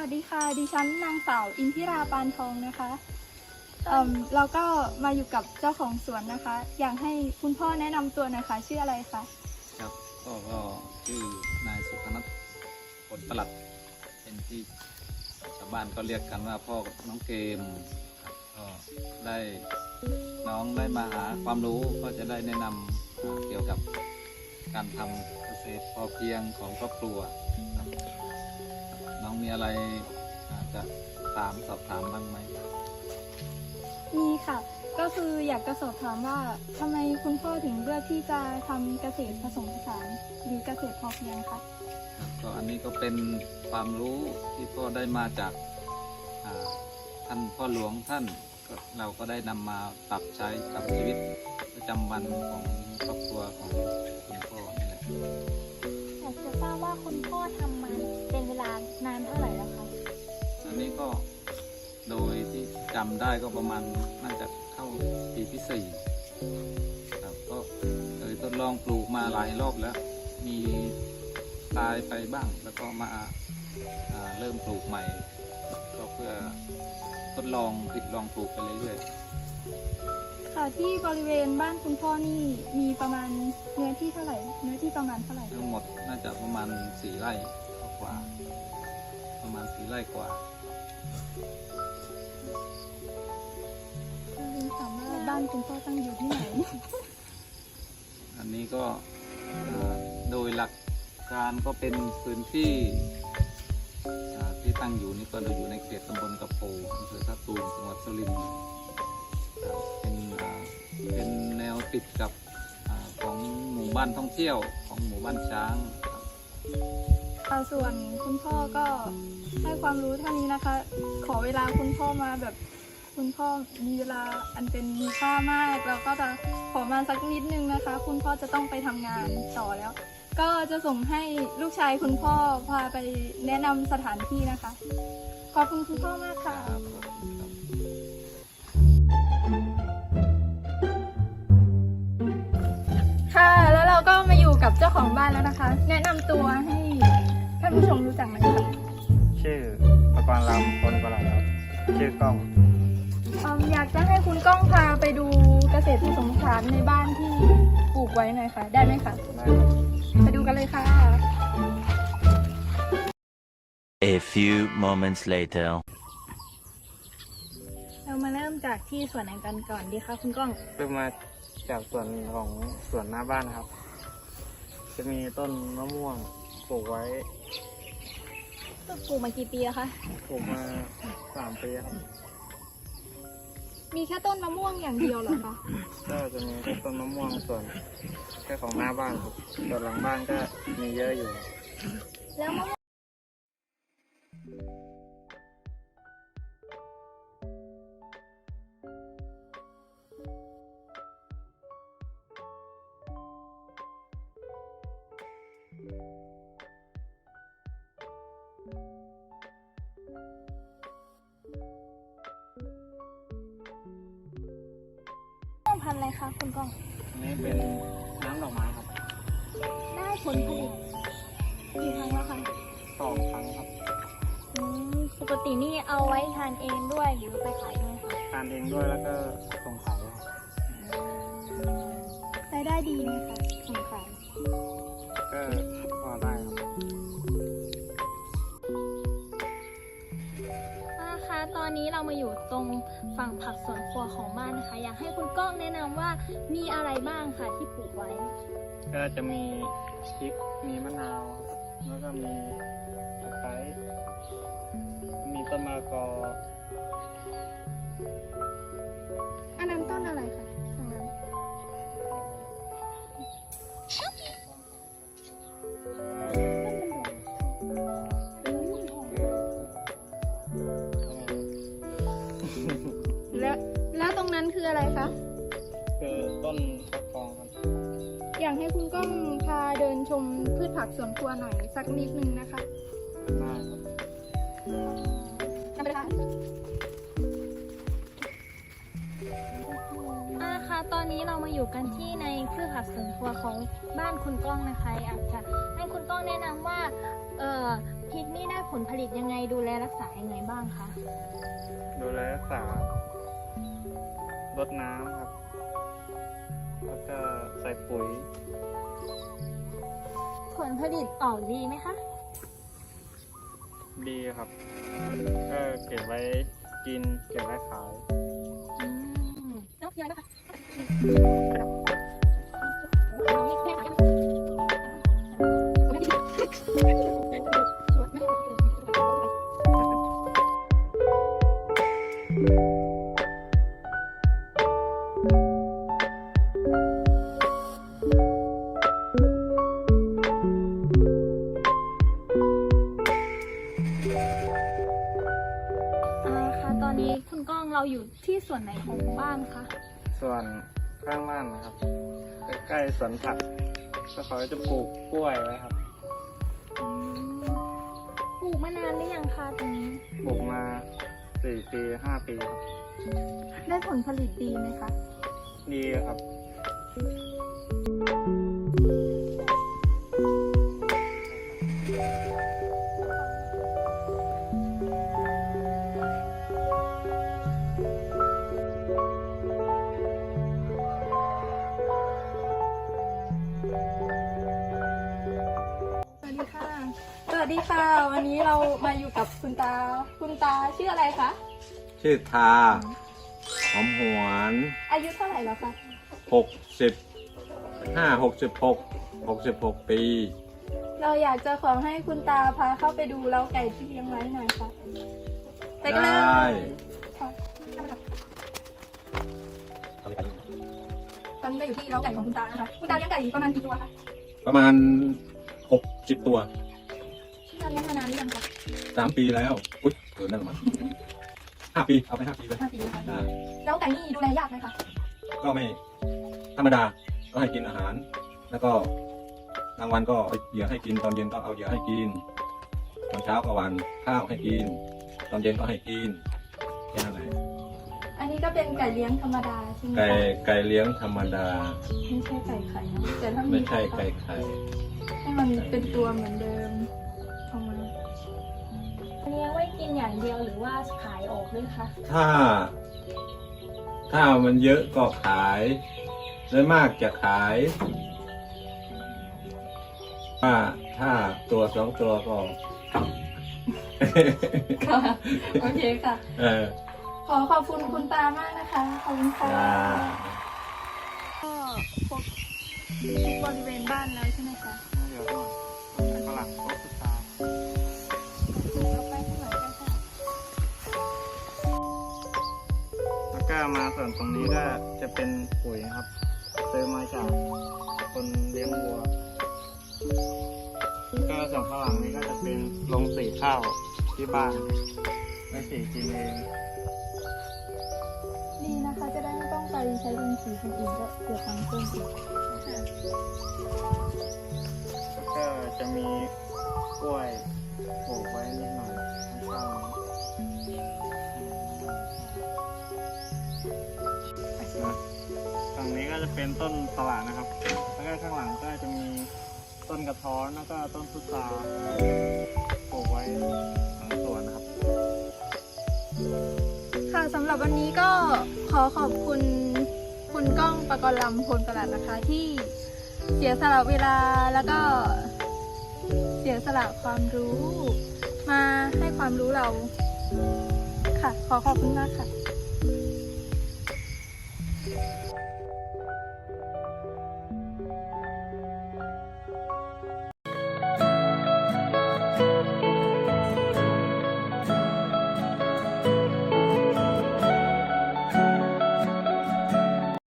วัสดีค่ะดิฉันนางสาวอินทิราปานทองนะคะเราก็มาอยู่กับเจ้าของสวนนะคะ อยากให้คุณพ่อแนะนำตัวหนะคะชื่ออะไรคะครับก็ชื่อนายสุพนัทผลประหลัดเป็นที่ชาวบ้านก็เรียกกันว่าพ่อกับน้องเกมครับก็ได้น้องได้มาหาความรู้ก็จะได้แนะนำเกี่ยวกับการทำเกษตรพอเพียงของครอบครัวครับน้องมีอะไรจะสอบถามบ้างไหมมีค่ะ ก็คืออยากจะสอบถามว่าทำไมคุณพ่อถึงเลือกที่จะทำเกษตรผสมผสานหรือเกษตรพอเพียงคะครับก็อันนี้ก็เป็นความรู้ที่พ่อได้มาจากท่านพ่อหลวงท่านก็เราก็ได้นำมาปรับใช้กับชีวิตประจำวันของครอบครัวของคุณพ่อนี่แหละอยากจะทราบว่าคุณพ่อทำมาเป็นเวลานานเท่าไหร่แล้วคะอันนี้ก็โดยที่จำได้ก็ประมาณน่าจะเข้าปีที่4ครับก็เคยทดลองปลูกมาหลายรอบแล้วมีตายไปบ้างแล้วก็มาเริ่มปลูกใหม่ก็เพื่อทดลองผิดลองปลูกไปเรื่อยๆค่ะที่บริเวณบ้านคุณพ่อนี่มีประมาณเนื้อที่เท่าไหร่เนื้อที่ประมาณเท่าไหร่ทั้งหมดน่าจะประมาณ4 ไร่กว่าประมาณ4 ไร่กว่าเรียนถามว่าบ้านคุณพ่อตั้งอยู่ที่ไหนอันนี้ก็โดยหลักการก็เป็นพื้นที่ที่ตั้งอยู่นี่ก็อยู่ในเขตตำบลกระโปอำเภอท่าตูมจังหวัดสุรินทร์เป็นแนวติดกับของหมู่บ้านท่องเที่ยวของหมู่บ้านช้างครับส่วนคุณพ่อก็ให้ความรู้เท่านี้นะคะ ขอเวลาคุณพ่อมาแบบคุณพ่อมีเวลาอันเป็นมีค่ามากเราก็จะขอมาสักนิดนึงนะคะ คุณพ่อจะต้องไปทำงานต่อแล้ว ก็จะส่งให้ลูกชายคุณพ่อพาไปแนะนำสถานที่นะคะ ขอบคุณคุณพ่อมากค่ะ ค่ะ แล้วเราก็มาอยู่กับเจ้าของบ้านแล้วนะคะ แนะนำตัวให้ท่านผู้ชมรู้จักหน่อยค่ะชื่อประกรณ์ลำพลประหลัดครับชื่อกล้องอยากจะให้คุณก้องพาไปดูเกษตรผสมผสานในบ้านที่ปลูกไว้หน่อยค่ะ ได้ไหมคะได้ครับไปดูกันเลยค่ะ A few moments later. เรามาเริ่มจากที่ส่วนไหนกันก่อนดีคะคุณก้องเริ่มมาจากส่วนของสวนหน้าบ้านครับ จะมีต้นมะม่วงปลูกไว้ปลูกมากี่ปีแล้วคะปลูกมา3 ปีครับมีแค่ต้นมะม่วงอย่างเดียวเหรอคะก็จะมีแค่ต้นมะม่วงส่วนแค่ของหน้าบ้านครับส่วนหลังบ้านก็มีเยอะอยู่แล้วมะม่วงพันธุ์อะไรคะคุณก้องอันนี้เป็นน้ำดอกไม้ครับได้ผลผลิตกี่ครั้งแล้วคะ 2 ครั้งครับปกตินี่เอาไว้ทานเองด้วยหรือไปขายด้วยคะทานเองด้วยแล้วก็ส่งขายครับรายได้ดีไหมคะส่งขายก็พอได้ครับค่ะตอนนี้เรามาอยู่ตรงฝั่งผักสวนครัวของบ้านนะคะ อยากให้คุณก้องแนะนำว่ามีอะไรบ้างค่ะที่ปลูกไว้ก็จะมีพริก มีมะนาว แล้วก็มีตะไคร้มีต้นมะละกออันนั้นต้นอะไรคะตรงนั้นแล้วตรงนั้นคืออะไรคะคือต้นฟักทองครับอยากให้คุณก้องพาเดินชมพืชผักสวนครัวหน่อยสักนิดนึงนะคะได้ครับนำไปเลยค่ะค่ะตอนนี้เรามาอยู่กันที่ในพืชผักสวนครัวของบ้านคุณก้องนะคะอยากจะให้คุณก้องแนะนำว่าพริกนี่ได้ผลผลิตยังไงดูแลรักษายังไงบ้างคะดูแลรักษา รดน้ำครับ แล้วก็ใส่ปุ๋ยผลผลิตออกดีไหมคะดีครับ ก็เก็บไว้กิน เก็บไว้ขายแล้วพี่อะไรบ้างคะ ค่ะตอนนี้คุณก้องเราอยู่ที่ส่วนไหนของบ้านคะส่วนข้างล่างนะครับ ใกล้ๆสวนผักก็เขาจะปลูกกล้วยไว้ครับปลูกมานานหรือยังคะตรงนี้ปลูกมา 4 ปี 5 ปีครับได้ผลผลิตดีไหมคะดีครับสวัสดีค่ะ สวัสดีค่ะ วันนี้เรามาอยู่กับคุณตา คุณตาชื่ออะไรคะชื่อทา หอมหวนอายุเท่าไหร่แล้วคะ 66 ปีเราอยากจะขอให้คุณตาพาเข้าไปดูเล้าไก่ที่เลี้ยงไว้หน่อยค่ะไปกันเลได้ยค่ะตอนนี้เราอยู่ที่เล้าไก่ของคุณตานะคะ คุณตาเลี้ยงไก่ประมาณกี่ตัวคะประมาณ 60 ตัวคุณตาเลี้ยงมานานหรือยังคะ 3 ปีแล้ว อุ๊ยเกินนั่นมา5 ปี เอาไป 5 ปีเลย 5 ปีแล้วค่ะอ่าเล้าไก่นี่ดูแลยากไหมคะก็ไม่ธรรมดา ก็ให้กินอาหาร แล้วก็กลางวันก็เอาเหยื่อให้กิน ตอนเย็นก็เอาเหยื่อให้กิน ตอนเช้าก็หวานข้าวให้กิน ตอนเย็นก็ให้กิน แค่นั้นแหละอันนี้ก็เป็นไก่เลี้ยงธรรมดาใช่ไหมคะไก่เลี้ยงธรรมดาไม่ใช่ไก่ไข่นะแต่ถ้ามีไม่ใช่ไก่ไข่ให้มันเป็นตัวเหมือนเดิมเอามาเลี้ยงไว้กินอย่างเดียวหรือว่าขายออกด้วยคะถ้ามันเยอะก็ขายโดยมากจะขายถ้าตัว2 ตัวก็ค่ะโอเคค่ะเออขอบคุณคุณตามากนะคะ ขอบคุณค่ะจ้าก็ครบทุกบริเวณบ้านแล้วใช่ไหมคะเดี๋ยวก่อนฝรั่งโต๊ะพุทราเอาไปข้างหลังกันค่ะแล้วก็มาส่วนตรงนี้ก็จะเป็นปุ๋ยนะครับซื้อมาจากคนเลี้ยงวัว ก็ส่วนข้างหลังนี้ก็จะเป็นโรงสีข้าวที่บ้านไม่สีกินเองดีนะคะ จะได้ไม่ต้องไปใช้เป็นสีคนอื่นก็เสียตังค์เพิ่มอีกแล้วก็จะมีกล้วยปลูกไว้นิดหน่อยข้างๆนี้ฝั่งนี้ก็จะเป็นต้นสละนะครับ แล้วก็ข้างหลังก็จะมีต้นกระท้อนแล้วก็ต้นพุทราปลูกไว้ทั้งสวนนะครับค่ะสำหรับวันนี้ก็ขอขอบคุณคุณก้องปกรณ์ลำพลประหลัดนะคะ ที่เสียสละเวลาแล้วก็เสียสละความรู้ มาให้ความรู้เราค่ะ ขอบคุณมากค่ะ